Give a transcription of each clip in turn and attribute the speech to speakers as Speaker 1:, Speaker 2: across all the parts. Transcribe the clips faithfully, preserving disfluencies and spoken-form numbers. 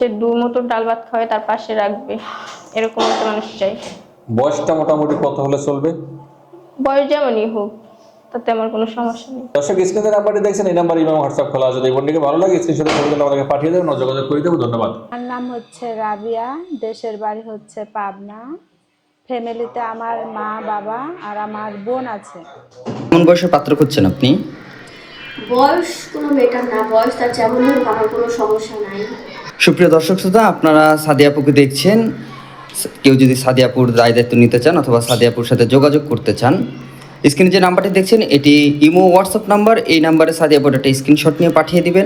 Speaker 1: সে দু মতো ডাল ভাত খাওয়ায় তার পাশে রাখবে, এরকম একটা মানুষ চাই।
Speaker 2: বয়সটা মোটামুটি কত হলে চলবে?
Speaker 1: বয়স যেমনই হোক, তাতে আমার কোনো সমস্যা নেই।
Speaker 2: দর্শক, স্ক্রিনে নাম্বারটি দেখছেন, এই নাম্বার ইমাম হোয়াটসঅ্যাপ খোলা আছে। এই বোনটিকে ভালো লাগে স্ক্রিনশটে ছবি তুলে আমাদেরকে পাঠিয়ে দেবেন, যোগাযোগ করে দেবো। ধন্যবাদ।
Speaker 3: আমার নাম হচ্ছে রাবিয়া, দেশের বাড়ি হচ্ছে পাবনা। ফ্যামিলিতে আমার মা বাবা আর আমার বোন আছে।
Speaker 4: কোন বয়সের পাত্র খুঁজছেন আপনি?
Speaker 5: বয়স কোনো ম্যাটার না, বয়স তার যেমন হোক আমার কোনো সমস্যা নাই।
Speaker 4: সুপ্রিয় দর্শক শ্রোতা, আপনারা সাদিয়াপুকে দেখছেন। কেউ যদি সাদিয়াপুর দায় দায়িত্ব নিতে চান অথবা সাদিয়াপুর সাথে যোগাযোগ করতে চান, স্ক্রিনে যে নাম্বারটি দেখছেন এটি ইমো হোয়াটসঅ্যাপ নাম্বার। এই নাম্বারে সাদিয়াপুর একটা স্ক্রিনশট নিয়ে পাঠিয়ে দিবেন।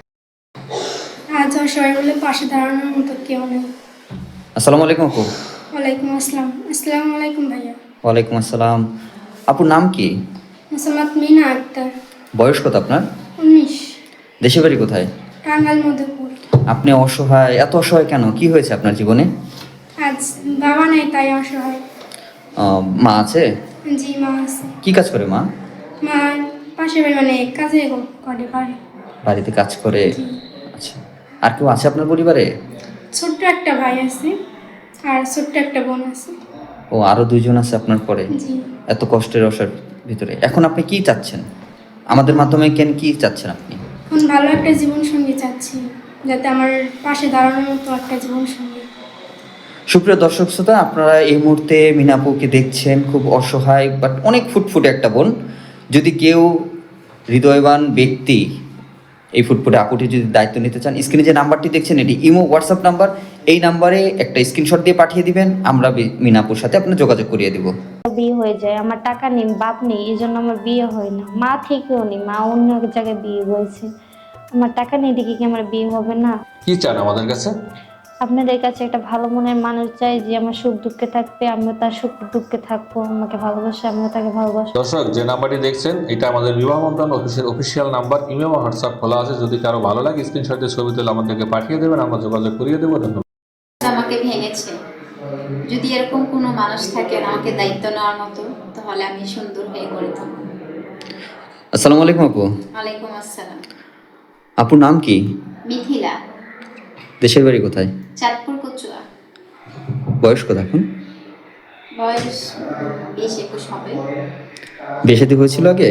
Speaker 6: আজ সবাই বলে পাশে দাঁড়ানোর মতো কেউ নেই।
Speaker 4: আসসালামু আলাইকুম আপু।
Speaker 6: ওয়ালাইকুম আসসালাম। আসসালামু আলাইকুম ভাইয়া।
Speaker 4: ওয়ালাইকুম আসসালাম। আপুর নাম কি?
Speaker 6: মোসাম্মদ মিনা আক্তার।
Speaker 4: বয়স কত আপনার?
Speaker 6: উনিশ।
Speaker 4: দেশের বাড়ি কোথায়?
Speaker 6: টাঙ্গাইল মধুপুর।
Speaker 4: আপনি অসহায়, এত অসহায় কেন? কি হয়েছে আপনার জীবনে?
Speaker 6: আজ বাবা নেই তাই অসহায়।
Speaker 4: আহ, মা আছে?
Speaker 6: জি মা আছে।
Speaker 4: কি কাজ করে মা?
Speaker 6: মা পাশে বাড়ি মানে কাজে করে পারে।
Speaker 4: বাড়িতে কাজ করে। আচ্ছা, আর কেউ আছে আপনার পরিবারে?
Speaker 6: ছোট্ট একটা ভাই আছে আর ছোট্ট একটা বোন আছে।
Speaker 4: ও, আরো দুইজন আছে আপনার পরে?
Speaker 6: জি।
Speaker 4: এত কষ্টের অসার ভিতরে এখন আপনি কি চাচ্ছেন আমাদের মাধ্যমে? কেন কি চাচ্ছেন আপনি?
Speaker 6: এখন ভালো একটা জীবন সঙ্গী চাচ্ছি, যাতে আমার পাশে দাঁড়ানোর মতো একটা জীবন সঙ্গী।
Speaker 4: সুপ্রিয় দর্শক শ্রোতা, আপনারা এই মুহূর্তে মিনাপুকে দেখছেন, খুব অসহায় বাট অনেক ফুটফুটে একটা বোন। যদি কেউ হৃদয়বান ব্যক্তি এই ফুটফুটে আপুটি যদি দায়িত্ব নিতে চান, স্ক্রিনে যে নাম্বারটি দেখছেন এটি ইমো হোয়াটসঅ্যাপ নাম্বার। এই নাম্বারে একটা স্ক্রিনশট দিয়ে পাঠিয়ে দিবেন, আমরা মিনাপুর সাথে আপনার যোগাযোগ করিয়ে দিব।
Speaker 7: বিয়ে হয়ে যায়, আমার টাকা নেই, বাপ নেই, এই জন্য আমার বিয়ে হয় না। মা থেকেও নেই, মা অন্য এক জায়গায় বিয়ে হয়েছে। আমার টাকা নেই দেখে কি আমার বিয়ে হবে না?
Speaker 2: কি চান আমাদের কাছে?
Speaker 7: আপনাদের কাছে একটা ভালো মনের মানুষ চাই, যে আমার সুখ দুঃখে থাকবে, আমিও তার সুখ দুঃখে থাকবো, আমাকে ভালোবাসে, আমিও তাকে ভালোবাসবো।
Speaker 2: দর্শক, যে নাম্বারটি দেখছেন এটা আমাদের বিবাহ বন্ধন অফিসের অফিসিয়াল নাম্বার। ইমেল হোয়াটসঅ্যাপ খোলা আছে। যদি কারো ভালো লাগে স্ক্রিনশটে ছবি তুলে আমাদেরকে পাঠিয়ে দেবেন, আমরা যোগাযোগ করিয়ে দেবো। ধন্যবাদ।
Speaker 8: আমাকে ভেঙেছে। যদি এরকম কোনো মানুষ থাকে আমাকে দায়িত্ব নেওয়ার মতো, তাহলে আমি সুন্দর হয়ে গড়ে তুলব।
Speaker 4: আসসালামু আলাইকুম আপু।
Speaker 8: ওয়ালাইকুম আসসালাম।
Speaker 4: আপুর নাম কি?
Speaker 8: মিথিলা।
Speaker 4: দেশের বাড়ি কোথায়?
Speaker 8: চাঁদপুর কচুয়া।
Speaker 4: বয়স কত এখন?
Speaker 8: বয়স বিশ একুশ হবে।
Speaker 4: বিয়ে শাদী হয়েছিল আগে?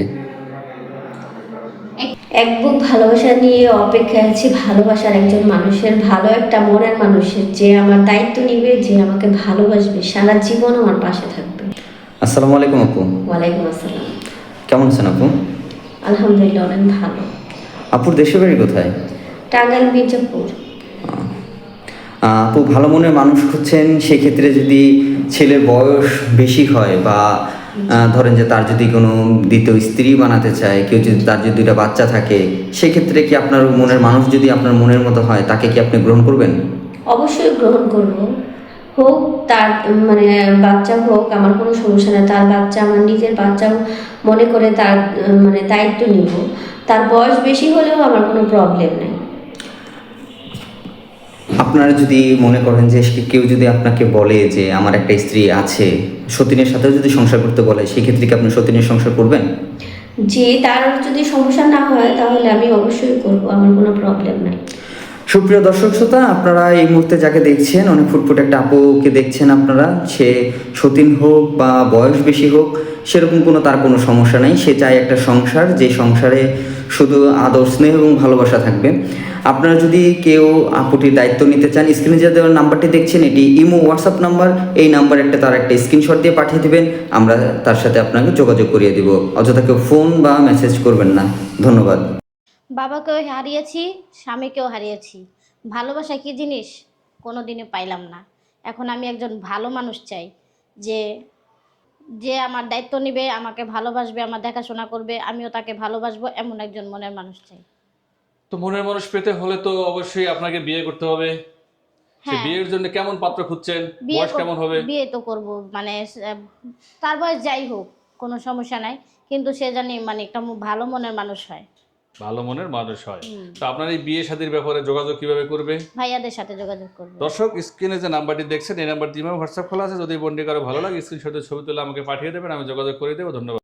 Speaker 5: এক বুক ভালোবাসা নিয়ে অপেক্ষায় আছি, ভালোবাসার একজন মানুষের, ভালো একটা মনের মানুষের, যে আমার দায়িত্ব নিবে, যে আমাকে ভালোবাসবে, সারা জীবন আমার পাশে থাকবে।
Speaker 4: আসসালামু আলাইকুম আপু।
Speaker 5: ওয়ালাইকুম আসসালাম।
Speaker 4: কেমন আছেন আপু?
Speaker 5: আলহামদুলিল্লাহ অনেক ভালো।
Speaker 4: আপুর দেশের বাড়ি কোথায়?
Speaker 5: টাঙ্গাইল মির্জাপুর।
Speaker 4: আপু ভালো মনের মানুষ খুঁজছেন, সেক্ষেত্রে যদি ছেলের বয়স বেশি হয় বা ধরেন যে তার যদি কোনো দ্বিতীয় স্ত্রী বানাতে চায়, কেউ যদি তার যদি দুইটা বাচ্চা থাকে, সেক্ষেত্রে কি আপনার মনের মানুষ যদি আপনার মনের মতো হয়, তাকে কি আপনি গ্রহণ করবেন?
Speaker 5: অবশ্যই গ্রহণ করব। হোক তার মানে বাচ্চা হোক, আমার কোনো সমস্যা নেই। তার বাচ্চা আমার নিজের বাচ্চাও মনে করে তার মানে দায়িত্ব নিব। তার বয়স বেশি হলেও আমার কোনো প্রবলেম নেই।
Speaker 4: আপনারা যদি মনে করেন যে কেউ যদি আপনাকে বলে যে আমার একটা স্ত্রী আছে, সতীনের সাথেও যদি সংসার করতে বলে, সেক্ষেত্রে কি আপনি সতীনের সংসার করবেন?
Speaker 5: যে তার যদি সমস্যা না হয় তাহলে আমি অবশ্যই করব, আমার কোনো প্রবলেম নাই।
Speaker 4: সুপ্রিয় দর্শক শ্রোতা, আপনারা এই মুহূর্তে যাকে দেখছেন, অনেক ফুটফুট একটা আপুকে দেখছেন আপনারা। সে সতীন হোক বা বয়স বেশি হোক, সেরকম কোনো তার কোনো সমস্যা নেই। সে চায় একটা সংসার, যে সংসারে শুধু আদর, স্নেহ এবং ভালোবাসা থাকবে। আপনারা যদি কেউ আপুটির দায়িত্ব নিতে চান, স্ক্রিনে যে দেওয়ার নাম্বারটি দেখছেন এটি ইমো হোয়াটসঅ্যাপ নাম্বার। এই নাম্বার একটা তার একটা স্ক্রিনশট দিয়ে পাঠিয়ে দেবেন, আমরা তার সাথে আপনাকে যোগাযোগ করিয়ে দিব। অযথা কেউ ফোন বা মেসেজ করবেন না। ধন্যবাদ।
Speaker 7: বাবাকেও হারিয়েছি, স্বামীকেও হারিয়েছি। ভালোবাসা কি জিনিস কোনো দিনে পাইলাম না। এখন আমি একজন ভালো মানুষ চাই, যে যে আমার দায়িত্ব নেবে, আমাকে ভালোবাসবে, আমার দেখাশোনা করবে, আমিও তাকে ভালোবাসবো, এমন একজন মনের মানুষ চাই।
Speaker 9: তো মনের মানুষ পেতে হলে তো অবশ্যই আপনাকে বিয়ে করতে হবে। সে বিয়ের জন্য কেমন পাত্র খুঁজছেন? বয়স কেমন হবে?
Speaker 7: বিয়ে তো করব, মানে তার বয়স যাই হোক কোনো সমস্যা নাই, কিন্তু সে জানি মানে একটা ভালো মনের মানুষ হয়।
Speaker 9: ভালো মনের মানুষ হয়। তো আপনার এই বিয়ে শাদীর ব্যাপারে যোগাযোগ কিভাবে করবে?
Speaker 7: ভাইয়াদের সাথে যোগাযোগ করবে।
Speaker 9: দর্শক, স্ক্রিনে যে নাম্বারটি দেখছেন এই নাম্বারটি হোয়াটসঅ্যাপ খোলা আছে। যদি বন্ডি কারো ভালো লাগে স্ক্রিনশটে ছবি তুলে আমাকে পাঠিয়ে দেবেন, আমি যোগাযোগ করে দেবো। ধন্যবাদ।